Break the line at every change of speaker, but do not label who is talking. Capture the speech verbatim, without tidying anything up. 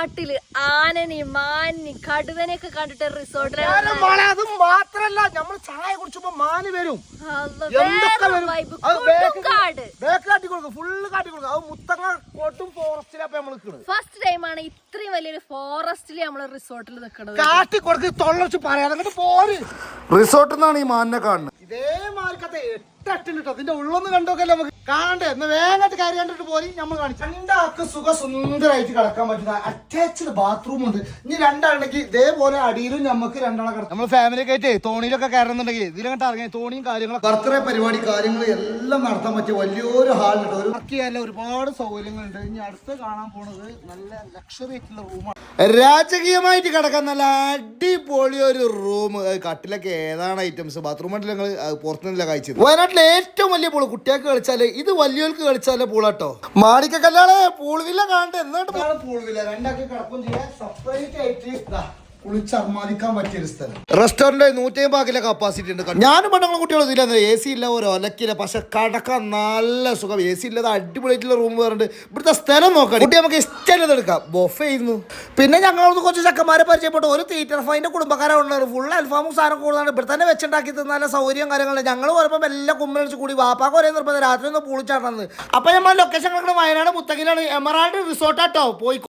കാട്ടില് ആനനെയും മാനിനെയും കടുവനെയൊക്കെ കണ്ടിട്ട് റിസോർട്ടിലാണ്.
അത് മാത്രല്ല നമ്മൾ ചായ കുടിച്ചപ്പോ മാന് വരും, ഫുള്ള് കാട്ടി കൊടുക്കും. അത് മുത്തങ്ങ കോട്ടും ഫോറസ്റ്റിലപ്പോ നമ്മൾ നിൽക്കുന്നത്.
ഫസ്റ്റ് ടൈമാണ് ഇത്രയും വലിയൊരു ഫോറസ്റ്റില് നമ്മള് റിസോർട്ടിൽ നിൽക്കുന്നത്.
കാട്ടി കൊടുക്ക് തൊള്ളച്ച് പറയാതെ പോര്.
റിസോർട്ടിൽ നിന്നാണ് ഈ മാനിനെ കാണുന്നത്.
ഇതേ മാർക്കത്തെ എട്ടിട്ട് അതിന്റെ ഉള്ളൊന്ന് കണ്ടോക്കല്ലേ നമുക്ക് കാണണ്ടേ. എന്ന് വേഗമായിട്ട് കാര്യം കണ്ടിട്ട് പോയി നമ്മൾ കാണിച്ചു. രണ്ടാൾക്ക് സുഖ സുന്ദരമായിട്ട് കിടക്കാൻ പറ്റുന്ന അറ്റാച്ച്ഡ് ബാത്റൂം ഉണ്ട്. ഇനി രണ്ടാളുണ്ടെങ്കിൽ ഇതേപോലെ അടിയിലും നമുക്ക് രണ്ടാളെ കിടക്കാം. നമ്മൾ ഫാമിലി ഒക്കെ ആയിട്ട് തോണിയിലൊക്കെ കയറുന്നുണ്ടെങ്കിൽ ഇതിലങ്ങോട്ട് ഇറങ്ങി തോണിയും കാര്യങ്ങളും ബർത്ത്ഡേ പരിപാടി കാര്യങ്ങൾ എല്ലാം നടത്താൻ പറ്റിയ വലിയൊരു ഹാളുണ്ട്. ഒരു വർക്ക് ചെയ്യാനുള്ള ഒരുപാട് സൗകര്യങ്ങളുണ്ട്. ഇനി അടുത്ത് കാണാൻ പോണത് നല്ല ലക്ഷറി ആയിട്ടുള്ള റൂമാണ്. രാജകീയമായിട്ട് കിടക്കാൻ നല്ല അടിപൊളി ഒരു റൂം. കട്ടിലൊക്കെ ഏതാണ് ഐറ്റംസ് ബാത്റൂം ആയിട്ട് ഞങ്ങൾ പുറത്തുനിന്നില്ല കഴിച്ചത്. വയനാട്ടിലെ ഏറ്റവും വലിയ പൂള് കുട്ടികൾക്ക് കളിച്ചാല് ഇത് വലിയവർക്ക് കളിച്ചാലേ പൂളാട്ടോ. മാണിക്ക കല്യാണ പൂളുവില്ല കാണണ്ട എന്നാണ് പൂളുവില്ല. രണ്ടാക്കി കിടക്കും ചെയ്യാൻ സെപ്പറേറ്റ് ആയിട്ട് കുളിച്ചർമാദിക്കാൻ പറ്റിയൊരു സ്ഥലം. റെസ്റ്റോറന്റ് നൂറ്റി അമ്പത് കിലോ കപ്പാസിറ്റി ഉണ്ട്. ഞാനും പെണ്ണുങ്ങളും കുട്ടികളും ഇതില്ല, എ സി ഇല്ല, ഒരു ഒലക്കില്ല, പക്ഷെ കടക്കാൻ നല്ല സുഖം. എ സി ഇല്ലാതെ അടിപൊളിയായിട്ടുള്ള റൂം വേറുണ്ട്. ഇവിടുത്തെ സ്ഥലം നോക്കാം, കുട്ടി നമുക്ക് ഇഷ്ടമല്ലത് എടുക്കാം. ബൊഫേ ആയിരുന്നു. പിന്നെ ഞങ്ങളൊന്ന് കുറച്ച് ചക്കന്മാരെ പരിചയപ്പെട്ടു. ഒരു തീറ്റർ ഫൈൻ്റെ കുടുംബക്കാരെ ഉള്ളത് ഫുൾ അൽഫാമും സാധനം കൂടുതലാണ്. ഇവിടെ തന്നെ വെച്ചുണ്ടാക്കി നല്ല സൗകര്യം കാര്യങ്ങളും. ഞങ്ങൾ വരുമ്പോൾ എല്ലാം കുമ്മലടിച്ച് കൂടി വാപ്പാക്ക് ഒരേ നിർബന്ധം രാത്രി ഒന്ന് പൂളിച്ചാടുന്നത്. അപ്പൊ നമ്മൾ ലൊക്കേഷൻ കിടക്കുന്നത് വയനാട് മുത്തങ്ങയിലാണ്. എമറാൾഡ് റിസോർട്ടാട്ടോ പോയി.